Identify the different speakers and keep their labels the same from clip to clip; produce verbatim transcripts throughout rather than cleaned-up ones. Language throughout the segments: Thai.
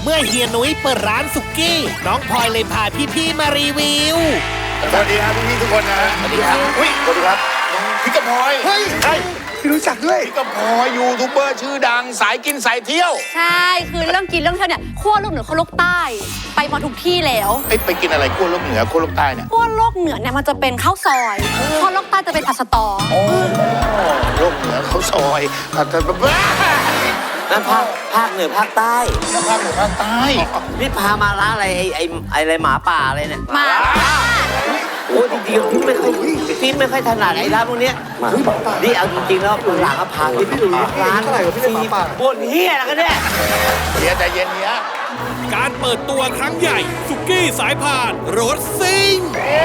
Speaker 1: มื่อเฮียนุ้ยเปิดร้านสุกี้น้องพลอยเลยพาพี่ๆมารีวิว
Speaker 2: สวัสดีครับพี่ๆทุกคนนะสวัสดีครับอุ้ยสวัสดีครับพี่กระพลอยเฮ้ยใช่พี่รู้จักด้วยพี่กระพลอยยูทูบเบอร์ชื่อดังสายกินสายเที่ยว
Speaker 3: ใช่คือเรื่องกินเรื่องเที่ยวเนี่ยขั้วโลกเหนือขั้วโลกใต้ไปมาทุกที่แล้ว
Speaker 2: ไอ้ไปกินอะไรขั้วโลกเหนือขั้วโลกใต้เนี่ย
Speaker 3: ขั้วโลกเหนือเนี่ยมันจะเป็นข้าวซอยขั้วโลกใต้จะเป็นผัดสตอ
Speaker 2: โอ้โลกเหนือข้าวซอยผัดสตอ
Speaker 4: นั่นภาคภาคเหนือภาคใต้
Speaker 2: ภาคเหนือภาคใต้
Speaker 4: นี่พามาร้านอะไรไอ้ไอ้อะไรหมาป่าอะไรเนี่ย
Speaker 3: หมา
Speaker 4: โอ้จริงๆพี่ไม่ค่อยพี่ไม่ค่อยถนัดไอ้ร้านพวกนี้นี่เอาจริงๆแล้วหลังก็พาพี่ไปดูร้านอะไรกับพี่หมาป่าบนเฮียอะไรกันเนี่ย
Speaker 2: เฮียใจเย็นเฮีย
Speaker 1: การเปิดตัวครั้งใหญ่สุกี้สายพานรถซิ่ง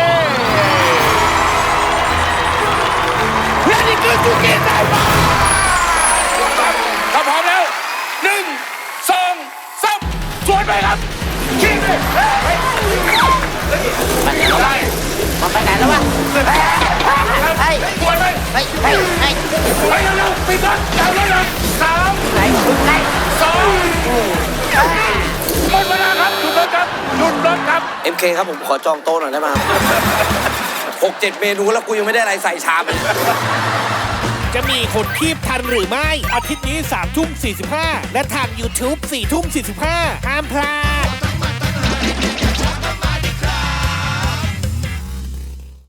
Speaker 2: และนี่คือสุกี้สายพานถ้าพร้อมแล้วหนึ่งสองสามสวนไปครับขี่เลยไป
Speaker 4: ไปไหนแล้ววะมันไปไหนแล้ววะ
Speaker 2: ไปสวนไป
Speaker 4: ไปไปไป
Speaker 2: ไปเร็วๆปิดรถเร็วเร็วสาม
Speaker 4: ไหนไหน
Speaker 2: สองหมดเวลาครับหยุดรถครับหยุดรถครับ
Speaker 4: เอ็ม เค ครับผมขอจองโต๊ะหน่อยได้ไหมหกเจ็ดเมนูแล้วกูยังไม่ได้อะไรใส่ชามเลย
Speaker 1: จะมีคนคีบทันหรือไม่อาทิตย์นี้สามทุ่มสี่สิบห้าและทาง ยูทูบ สี่ทุ่มสี่สิบห้าห้ามพลาด